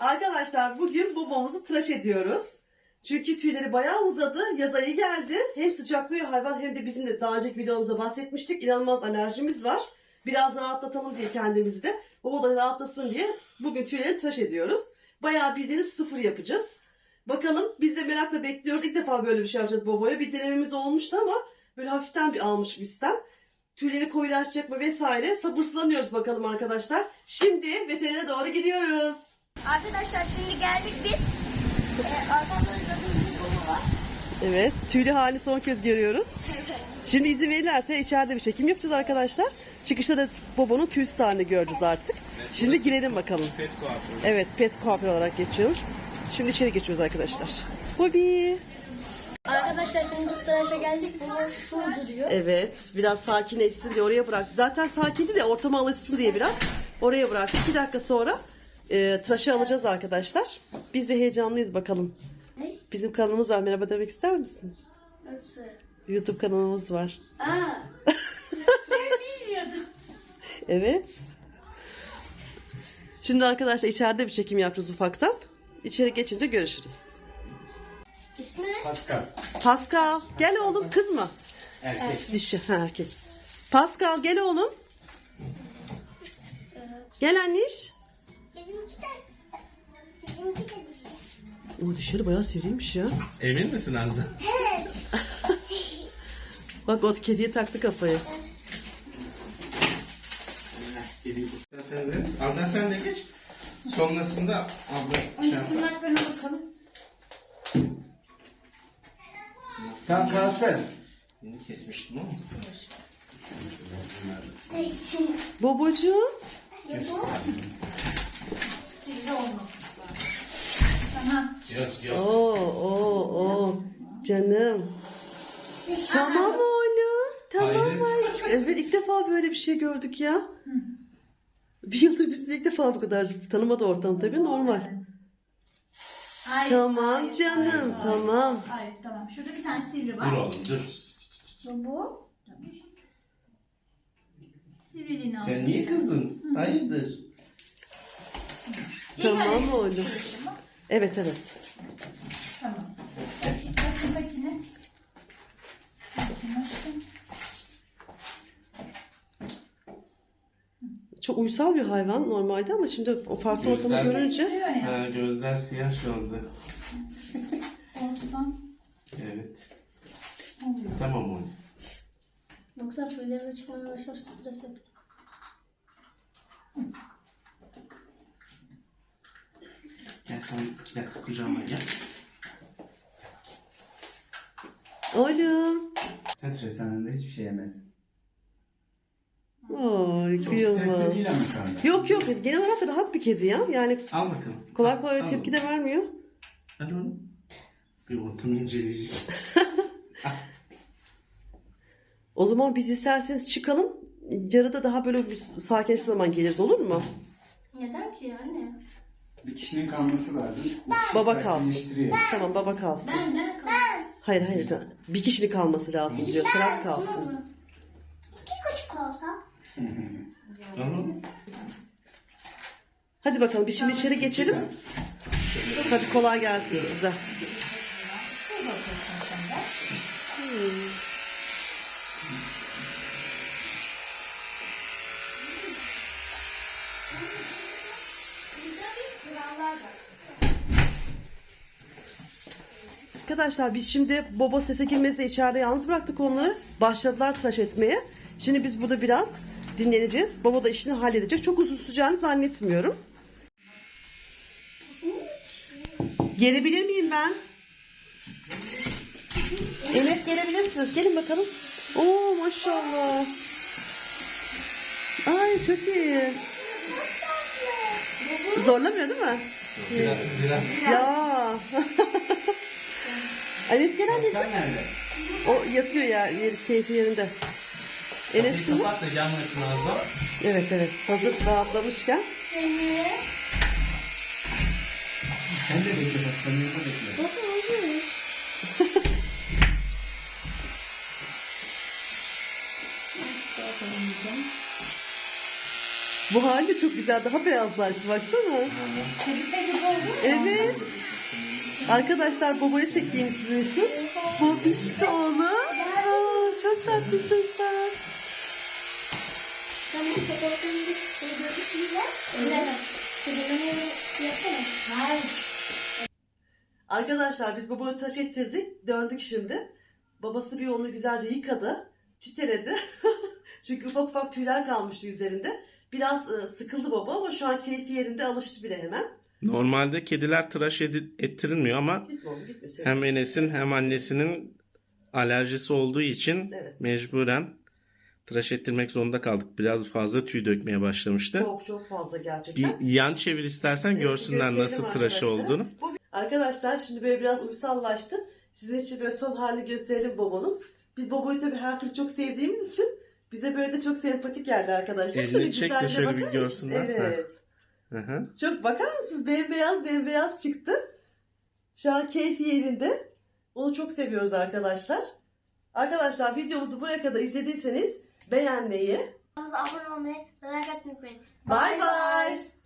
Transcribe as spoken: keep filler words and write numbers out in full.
Arkadaşlar bugün babamızı tıraş ediyoruz. Çünkü tüyleri bayağı uzadı. Yaz ayı geldi. Hem sıcaklıyor hayvan hem de bizim de daha önceki videomuzda bahsetmiştik. İnanılmaz alerjimiz var. Biraz rahatlatalım diye kendimizi de. Baba da rahatlasın diye bugün tüyleri tıraş ediyoruz. Bayağı bildiğiniz sıfır yapacağız. Bakalım biz de merakla bekliyoruz. İlk defa böyle bir şey yapacağız babaya. Bir denememiz olmuştu ama böyle hafiften bir almış üstten. Tüyleri koyulaşacak mı vesaire. Sabırsızlanıyoruz bakalım arkadaşlar. Şimdi veterinere doğru gidiyoruz. Arkadaşlar şimdi geldik biz. Ee, arkamda gördüğünüz bir baba var. Evet, tüylü halini son kez görüyoruz. Şimdi izin verirlerse içeride bir çekim yapacağız arkadaşlar. Çıkışta da Bobo'nun tüysüz halini göreceğiz artık. Şimdi girelim bakalım. Pet kuaförü. Evet, pet kuaför olarak geçiyoruz. Şimdi içeri geçiyoruz arkadaşlar. Bobby. Arkadaşlar şimdi biz tıraşa geldik. Baba şurada duruyor. Evet, biraz sakinleşsin diye oraya bıraktı. Zaten sakindi de ortama alışsın diye biraz oraya bıraktı. İki dakika sonra e, tıraşı alacağız arkadaşlar. Biz de heyecanlıyız bakalım. Ne? Bizim kanalımız var. Merhaba demek ister misin? Nasıl? YouTube kanalımız var. Aa. Ben bilmiyordum. Evet. Şimdi arkadaşlar içeride bir çekim yapacağız ufaktan. İçeri geçince görüşürüz. İsmi ne? Pascal. Pascal gel oğlum, kız mı? Erkek. Dişi, ha erkek. Pascal gel oğlum. Gel anniş. Bizimki de. Bizimki de dişi. O dişleri bayağı seriymiş ya. Emin misin Arzu? Bak o kediye taktı kafayı. Geleyim. Sen de. Arzu sen de geç. Sonrasında abla şey yapar. Tırnaklarına bakalım. Tam kalsın. Yeni kesmiştim ama. Bobocuğum. Sivri olmasın. Yok yok. Oo, oo, oo. Canım. Tamam oğlum. Tamam Hayret. aşkım. Evet, ilk defa böyle bir şey gördük ya. Bir yıldır biz de ilk defa bu kadar tanımadı ortam tabii, normal. Hayır, Tamam hayır, canım, hayır, tamam. Hayır, tamam. Şurada bir tane sivri Dur var. oğlum dur. Bu. Tamam. Sivriliğini al. Sen niye kızdın? Hayırdır? İlk Tamam anestezi oğlum. karışımı. Evet evet. Tamam. Bakın makine. Bakın aşkım. Çok uysal bir hayvan normalde ama şimdi o farklı ortamı Gözler- görünce. Sivriyor ya. Ha, gözler siyah şu anda. Ortadan Evet. oluyor. Tamam oğlum. Yoksa tüyleri çıkmaya başlar, stres yapıyor. Gel sen iki dakika kucağıma gel. Oğlum. Stres anında hiçbir şey yemez. Oy Çok kıyamam. stresli değil ama şu anda. Yok yok, genel olarak da rahat bir kedi ya. Yani Al bakalım. kolay kolay Al tepki oğlum. de vermiyor. Hadi oğlum. Bir ortamı inceleyeceğim. O zaman biz isterseniz çıkalım. Yarıda daha böyle bir sakinleştiği zaman geliriz, olur mu? Neden ki yani? Bir kişinin kalması lazım. Baba kalsın. Sakinleştiriyor. Tamam, baba kalsın. Ben, ben kaldım. Hayır hayır, bir kişinin kalması lazım diyor. Serhat kalsın. İki küçük olsa. Tamam. Hadi bakalım biz şimdi içeri geçelim. Hadi kolay gelsin size. Arkadaşlar biz şimdi baba sese girmesine içeride yalnız bıraktık onları. Başladılar tıraş etmeye. Şimdi biz burada biraz dinleneceğiz. Baba da işini halledecek. Çok uzun süreceğini zannetmiyorum. Gelebilir miyim ben? Enes gelebilirsiniz. Gelin bakalım. Oo maşallah. Ay çok iyi. Zorlamıyor değil mi? Biraz, biraz. Ya. Enes gel anneciğim. Sen nerede? O yatıyor ya, yeri, keyfi yerinde. Enes Kapıyı şimdi. kapat da yanmasın Arzu. Evet evet, hazır rahatlamışken. Sen de bekle bak. Sen yanında bekle. Bakın oluyor. Bu hali çok güzel. Daha beyazlaştı baksana. Kadife gibi oldu mu? Evet. Arkadaşlar babayı çekeyim sizin için. Bobişko oğlum. Aa, çok tatlısın sen. Ben bu fotoğrafını bir şey gördük mü ya? Evet. Kedilerini yapalım. Hayır. Arkadaşlar biz babayı tıraş ettirdik. Döndük şimdi. Babası bir onu güzelce yıkadı. Çiteledi. Çünkü ufak ufak tüyler kalmıştı üzerinde. Biraz e, sıkıldı baba ama şu an keyfi yerinde, alıştı bile hemen. Normalde kediler tıraş edi- ettirilmiyor ama Gitme oğlum gitme. Sevim. hem Enes'in hem annesinin alerjisi olduğu için Evet. mecburen tıraş ettirmek zorunda kaldık. Biraz fazla tüy dökmeye başlamıştı. Çok çok fazla gerçekten. Bir yan çevir istersen Evet, görsünler gösterelim nasıl tıraşı arkadaşlar. olduğunu. Bu- Arkadaşlar şimdi böyle biraz uysallaştı. Sizin için böyle son halini gösterelim Bobo'nun. Biz Bobo'yu tabii her türlü çok sevdiğimiz için bize böyle de çok sempatik geldi arkadaşlar. Elini çek de güzelce şöyle bir bakar mısınız? görsünler. Evet. Hı hı. Çok bakar mısınız? Bembeyaz bembeyaz çıktı. Şu an keyfi yerinde. Onu çok seviyoruz arkadaşlar. Arkadaşlar videomuzu buraya kadar izlediyseniz beğenmeyi, Kanalımıza abone olmayı, merak etmeyin. bye bye.